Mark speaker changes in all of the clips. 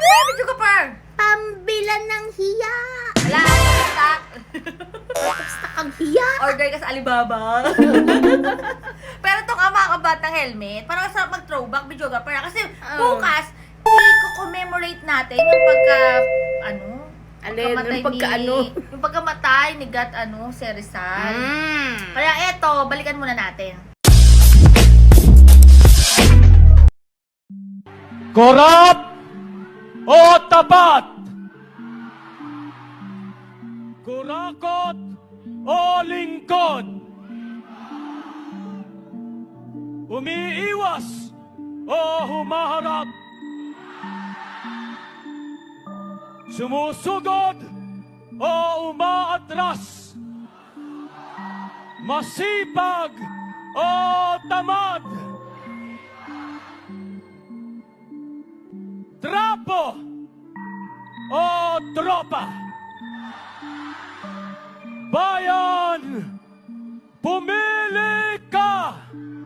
Speaker 1: ba, video ka par?
Speaker 2: Pambilan ng hiya.
Speaker 1: Wala, stock.
Speaker 2: Basta kang hiya.
Speaker 1: Order ka sa Alibaba. Pero ito nga mga kabatang helmet, parang sarap mag-throwback video ka par. Kasi bukas, i-commemorate natin yung yung pagkamatay ni Gat, si Rizal. Kaya eto, balikan muna natin.
Speaker 3: Korap o tapat? Kurakot o lingkod? Umiiwas o humaharap? Sumusugod o umaatras? Masipag o tamad? Trapo o tropa? Bayan, pumili ka!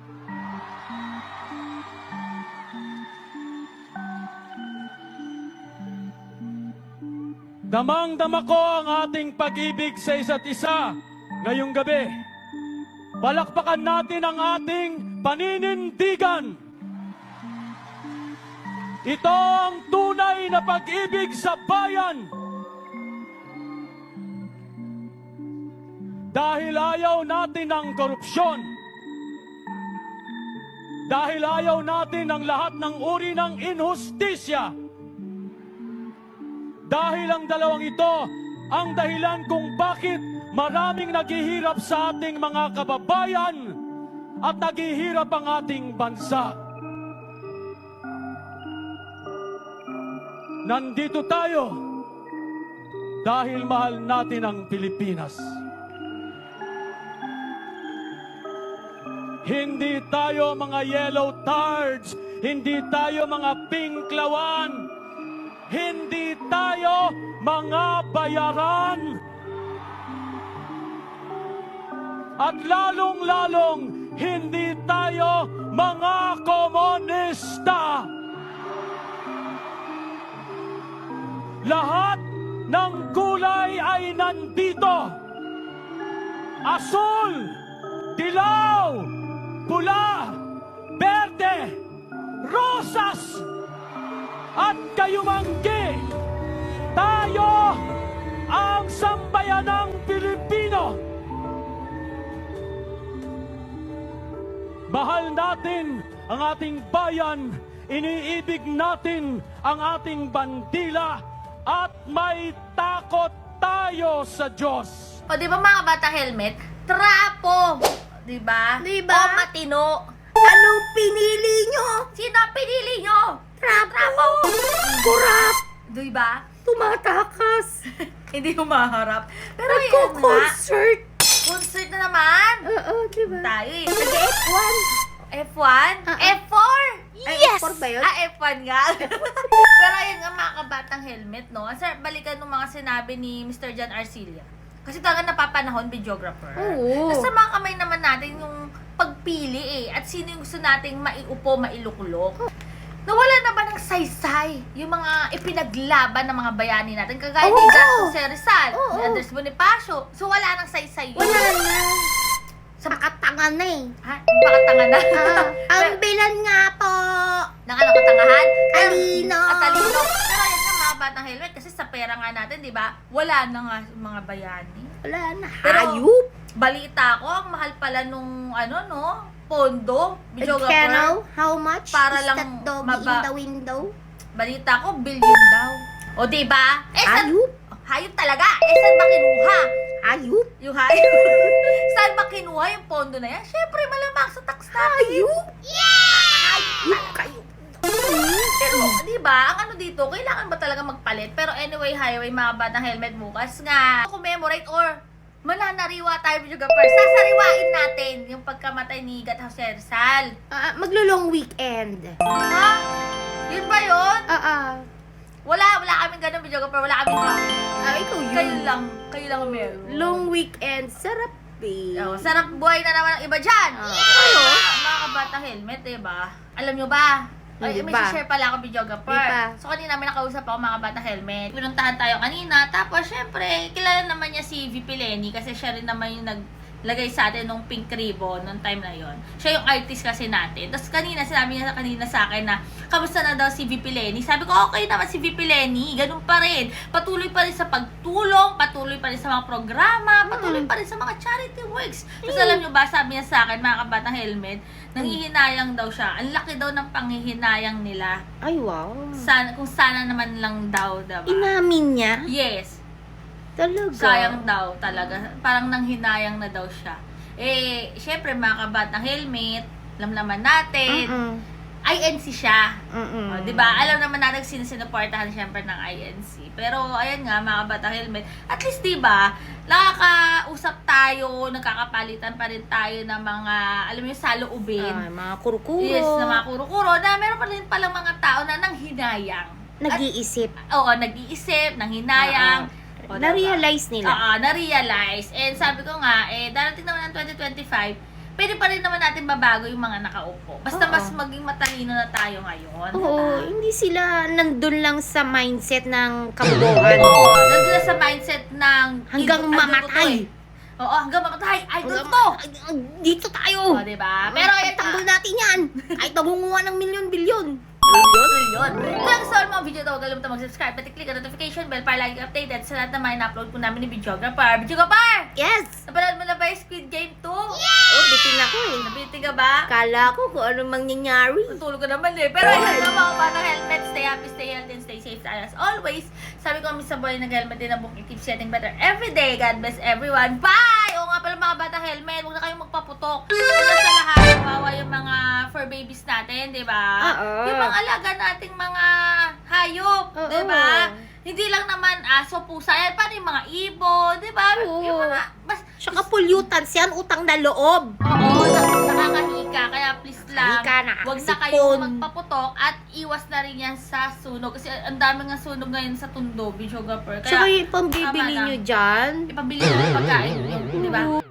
Speaker 3: Damang-dama ko ang ating pag-ibig sa isa't isa ngayong gabi. Palakpakan natin ang ating paninindigan. Ito ang tunay na pag-ibig sa bayan. Dahil ayaw natin ng korupsyon. Dahil ayaw natin ng lahat ng uri ng inhustisya. Dahil ang dalawang ito ang dahilan kung bakit maraming naghihirap sa ating mga kababayan at naghihirap ang ating bansa. Nandito tayo dahil mahal natin ang Pilipinas. Hindi tayo mga yellow tards, hindi tayo mga pinklawan, hindi tayo mga bayaran. At lalong-lalong hindi tayo mga komunista. Lahat ng kulay ay nandito. Asul, dilaw, pula, berde, rosas, at kayumanggi. Tayo ang sambayanang Pilipino. Mahal natin ang ating bayan, iniibig natin ang ating bandila, at may takot tayo sa Diyos.
Speaker 1: O di ba mga bata helmet? Trapo! Di ba?
Speaker 2: Diba?
Speaker 1: O matino.
Speaker 2: Anong pinili nyo?
Speaker 1: Sino ang pinili nyo?
Speaker 2: Trapo. Kurap.
Speaker 1: Di ba?
Speaker 2: Tumatakas.
Speaker 1: Hindi humaharap. Pero yan nga.
Speaker 2: Nagko-concert.
Speaker 1: Concert na naman.
Speaker 2: Oo, diba?
Speaker 1: Tayo eh.
Speaker 2: Nag-F1.
Speaker 1: F1? F4?
Speaker 2: Ay,
Speaker 1: Yes!
Speaker 2: F4 ba yun?
Speaker 1: F1 nga. Pero ayun nga mga kabatang helmet, no? Sir, balikan ng mga sinabi ni Mr. John Arcilla. Kasi talaga napapanahon, videographer.
Speaker 2: Oo.
Speaker 1: Nasa mga kamay naman natin yung pagpili eh. At sino yung gusto nating maiupo, mailukulok. Nawala na ba ng saysay yung mga ipinaglaban ng mga bayani natin? Kagaya ni Gato Rizal, ni Andres Bonifacio. So wala nang saysay yun.
Speaker 2: Wala na. Sa makatanga na eh.
Speaker 1: Ha? Yung pakatanga na.
Speaker 2: Pambilan nga po.
Speaker 1: Ng ano, katangahan?
Speaker 2: Talino.
Speaker 1: Talino. Pero yun nga mga batang helmet kasi sa pera nga natin, di ba? Wala na nga yung mga bayani.
Speaker 2: Wala na.
Speaker 1: Pero,
Speaker 2: Hayop.
Speaker 1: balita ko, ang mahal pala nung pondo, videographer.
Speaker 2: Channel, how much
Speaker 1: Para
Speaker 2: is
Speaker 1: lang
Speaker 2: that doggy in the window?
Speaker 1: Balita ko, billion daw. O di ba?
Speaker 2: Hayop.
Speaker 1: Hayop talaga. Saan ba kinuha?
Speaker 2: Hayop.
Speaker 1: Yung hayop. Saan ba kinuha yung pondo na yan? Siyempre, malamang sa tax natin.
Speaker 2: Hayop. Hayop kayo.
Speaker 1: Pero, di ba, ang ano dito, kailangan ba talaga magpalit? Pero anyway, highway, mga batang helmet bukas nga. Commemorate or mananariwa tayo, videographer. Sasariwain natin yung pagkamatay ni Gat Rizal.
Speaker 2: Maglo-long weekend.
Speaker 1: Ha? Yun ba yun? Wala kaming ganun, videographer. Wala kaming
Speaker 2: Ikaw yun.
Speaker 1: Kayo lang ang meron.
Speaker 2: Long weekend, sarap eh.
Speaker 1: Oh, sarap buhay na naman ng iba dyan.
Speaker 2: Yeah!
Speaker 1: Mga kabata helmet, diba? Alam nyo ba, Ay, may
Speaker 2: Diba?
Speaker 1: share pala ako videographer.
Speaker 2: Diba?
Speaker 1: So, kanina may nakausap ako mga bata helmet. Pinuntahan tayo kanina. Tapos, syempre, kilala naman niya si VP Lenny kasi siya rin naman yung naglagay sa atin nung pink ribbon nung time na yon. Siya yung artist kasi natin. Tapos kanina, sinabi niya kanina sa akin na kamusta na daw si VP Lenny. Sabi ko, okay naman si VP Lenny. Ganun pa rin. Patuloy pa rin sa pagtulong, patuloy pa rin sa mga programa, patuloy pa rin sa mga charity works. Tapos alam niyo ba, sabi niya sa akin, mga kabatang helmet, nanghihinayang daw siya. Ang laki daw ng panghihinayang nila.
Speaker 2: Ay, wow.
Speaker 1: Kung sana naman lang daw, diba?
Speaker 2: Inamin niya?
Speaker 1: Yes.
Speaker 2: Talaga?
Speaker 1: Sayang daw talaga. Parang nanghinayang na daw siya. Eh, syempre mga kabatang helmet, alam naman natin, INC siya. O, diba? Alam naman natin sinusuportahan syempre ng INC. Pero, ayan nga, mga kabatang helmet, at least diba, nakakausap tayo, nagkakapalitan pa rin tayo ng mga, alam mo yung saloobin.
Speaker 2: Mga kurukuro.
Speaker 1: Yes, na mga kuro-kuro, na meron pa rin palang mga tao na nanghinayang.
Speaker 2: Nag-iisip.
Speaker 1: Oo, nag-iisip, nanghinayang. O, diba?
Speaker 2: Na-realize nila.
Speaker 1: Oo, na-realize. And sabi ko nga, darating naman ng 2025, pwede pa rin naman natin babago yung mga nakaupo. Basta
Speaker 2: Oo.
Speaker 1: mas maging matalino na tayo ngayon.
Speaker 2: Oo, hindi sila nandun lang sa mindset ng kabuuan.
Speaker 1: Oo, nandun na sa mindset ng
Speaker 2: Hanggang
Speaker 1: ano
Speaker 2: mamatay.
Speaker 1: to eh. Oo, hanggang mamatay. Idol to.
Speaker 2: Dito tayo.
Speaker 1: O, diba? Pero ayan
Speaker 2: Tanggol natin yan. Kahit nagunguha ng milyon-bilyon.
Speaker 1: Trilyon. Kung gusto mo mga video ito, huwag kalimutan mag-subscribe at i-click ang notification bell para lagi updated sa lahat ng mga na-upload po namin ni Videographer. Videographer!
Speaker 2: Yes!
Speaker 1: Napanood mo na ba yung Squid Game 2?
Speaker 2: Oh, bitin ako eh.
Speaker 1: Nabitin ka ba?
Speaker 2: Kala ko kung anong mangyayari.
Speaker 1: Tutulog ka naman eh. Pero ayun na mga batang helmet. Stay happy, stay healthy, and stay safe as always. Sabi ko kami sa boy nag-helmet din na book. It keeps getting better every day. God bless everyone. Bye! Oo nga pala mga batang helmet. Huwag na kayong magpaputok. Una sa lahat, kawawa yung mga fur babies natin, di ba?
Speaker 2: Oo.
Speaker 1: Yung mga alaga nating mga hayop,
Speaker 2: Oo.
Speaker 1: di ba? Hindi lang naman aso, pusa. Yan, paano yung mga ibon, di ba?
Speaker 2: Oo.
Speaker 1: Yung mga,
Speaker 2: Tsaka pollutants yan, utang na loob.
Speaker 1: Oo, nakakahika. Kaya please lang,
Speaker 2: Nakakahika,
Speaker 1: huwag na
Speaker 2: nakakasipon.
Speaker 1: kayong magpaputok at iwas na rin yan sa sunog. Kasi ang dami nga sunog ngayon sa Tundo, Videographer.
Speaker 2: Tsaka
Speaker 1: Kaya
Speaker 2: yung pambibili
Speaker 1: tama na.
Speaker 2: nyo dyan.
Speaker 1: ipabili nyo yung pagkain nyo, di ba?